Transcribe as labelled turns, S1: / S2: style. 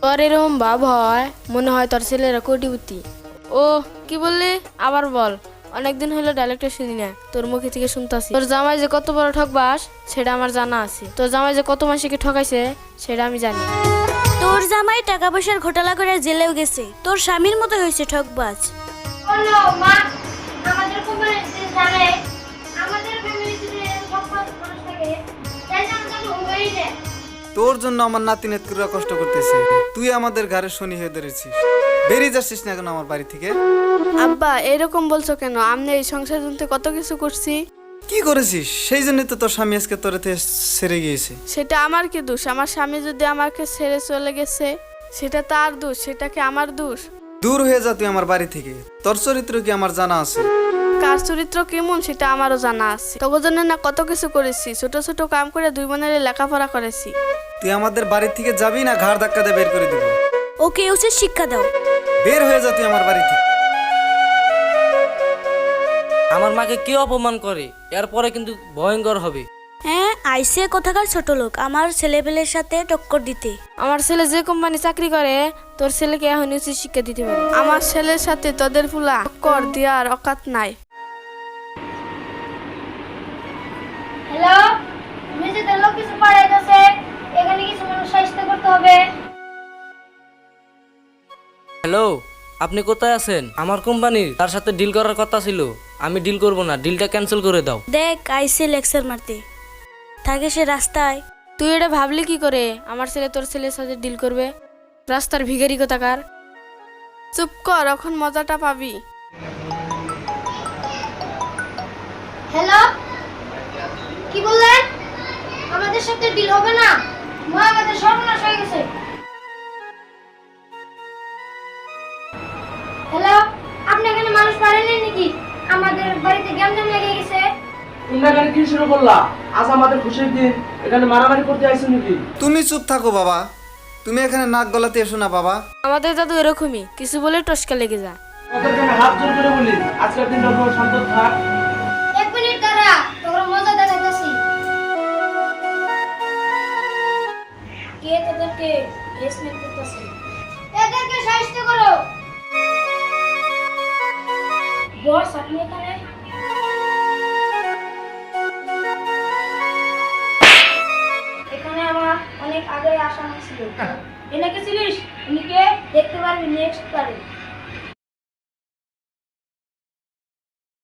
S1: তোর এরকম ভাব হয় মনে হয় তোর ছেলেরা কোটিপতি। ও কি বললি আবার বল, অনেকদিন হলো ডায়লগটা শুনি না, তোর মুখে থেকে শুনতাছি। তোর জামাই যে কত বড় ঠকবাস সেটা আমার জানা আছে, তোর জামাই যে কত মাসিকে ঠকাইছে সেটা আমি জানি।
S2: তোর জামাই টাকা পয়সার ঘোটালা করে জেলেও গেছে, তোর স্বামীর মতো হয়েছে ঠকবাজ।
S3: বলো মা, আমাদের কোম্পানিতে জানে আমাদের ফ্যামিলিতে ঠকবাজ মানুষ থাকে, তাই জন্য তাকে হবেই না।
S4: তোর জন্য আমার নাতি নেতকুরা কষ্ট করতেছে, তুই আমাদের ঘরে শনি হয়ে ধরেছিস। বেরিয়ে যাচ্ছিস না কেন আমার বাড়ি থেকে?
S1: আব্বা এরকম বলছো কেন? আমি এই সংসার জন্য কত কিছু করছি।
S4: কি করেছিস? সেই জন্যই তো তোর স্বামী আজকে তোর থেকে সেরে গিয়েছে।
S1: সেটা আমার কি দোষ? আমার স্বামী যদি আমাকে ছেড়ে চলে গেছে সেটা তার দোষ, সেটা কি আমার দোষ?
S4: দূর হয়ে যা তুই আমার বাড়ি থেকে, তোর চরিত্র কি আমার জানা আছে।
S1: কার চরিত্র কেমন সেটা আমারও জানা আছে। তোর জন্য না কত কিছু করেছি, ছোট ছোট কাম করে দুই বোনের লেখাপড়া করেছি।
S4: তুই আমাদের বাড়ি থেকে যাবি না ঘাড় ধাক্কা দিয়ে বের করে দেবো।
S2: ওকে উচিত শিক্ষা দাও।
S4: বের হয়ে যা তুই আমার বাড়ি থেকে।
S5: আমার মাকে কেউ অপমান করে এরপরে কিন্তু ভয়ঙ্কর হবে।
S2: হ্যাঁ, আইসে কোথাকার ছোট লোক আমার ছেলেপেলের সাথে টক্কর দিতে।
S1: আমার ছেলে যে কোম্পানি চাকরি করে তোর ছেলেকে এখন উচিত শিক্ষা দিতে পারে। আমার ছেলের সাথে তোদের ফুলা কর দেওয়ার অকাত নাই।
S3: হ্যালো, নিজেদের লোক কিছু পাঠাইতেছে, এখানে কিছু মানুষ সাহায্য করতে হবে।
S5: হ্যালো, আপনি কোথায় আছেন? আমার কোম্পানির তার সাথে ডিল করার কথা ছিল, আমি ডিল করব না, ডিলটা ক্যান্সেল করে দাও।
S2: দেখ আইসে লেকচার মারতে থাকে সে রাস্তায়।
S1: তুই এটা ভাবলি কি করে আমার ছেলে তোর ছেলের সাথে ডিল করবে? রাস্তার ভিখারি কোথাকার। চুপ কর, এখন মজাটা পাবি।
S3: হ্যালো, কি বললেন? আমাদের সাথে ডিল হবে না, মা আমাদের সর্বনাশ হয়ে গেছে। হ্যালো, আপনি এখানে মানুষ পারেননি নাকি? আমাদের বাড়িতে গ্যাঞ্জাম লেগে গেছে।
S6: তোমরা এখানে কি শুরু করলা? আজ আমাদের খুশির দিন, এখানে মারামারি করতে আইছো নাকি?
S4: তুমি চুপ থাকো বাবা, তুমি এখানে নাক গলাতে এসো না বাবা।
S1: আমাদের দাদু এরকমই, কিছু বলে টসকা লেগে যায়।
S6: ওদেরকে আমি হাত জোর করে বলি আজকের দিনটা পুরো শান্ত থাক।
S3: এক মিনিট দাঁড়া, তোর মজা দেখাইতেছি। কে তোদেরকে হেসমেন্ট করতেছে? এদেরকে সাহায্য করো। বস আপনি এখানে? এখানে আমার অনেক আগে আসা ছিল। এনেকে ছিলিস? উনিকে দেখতে পারবি নেক্সট বারে।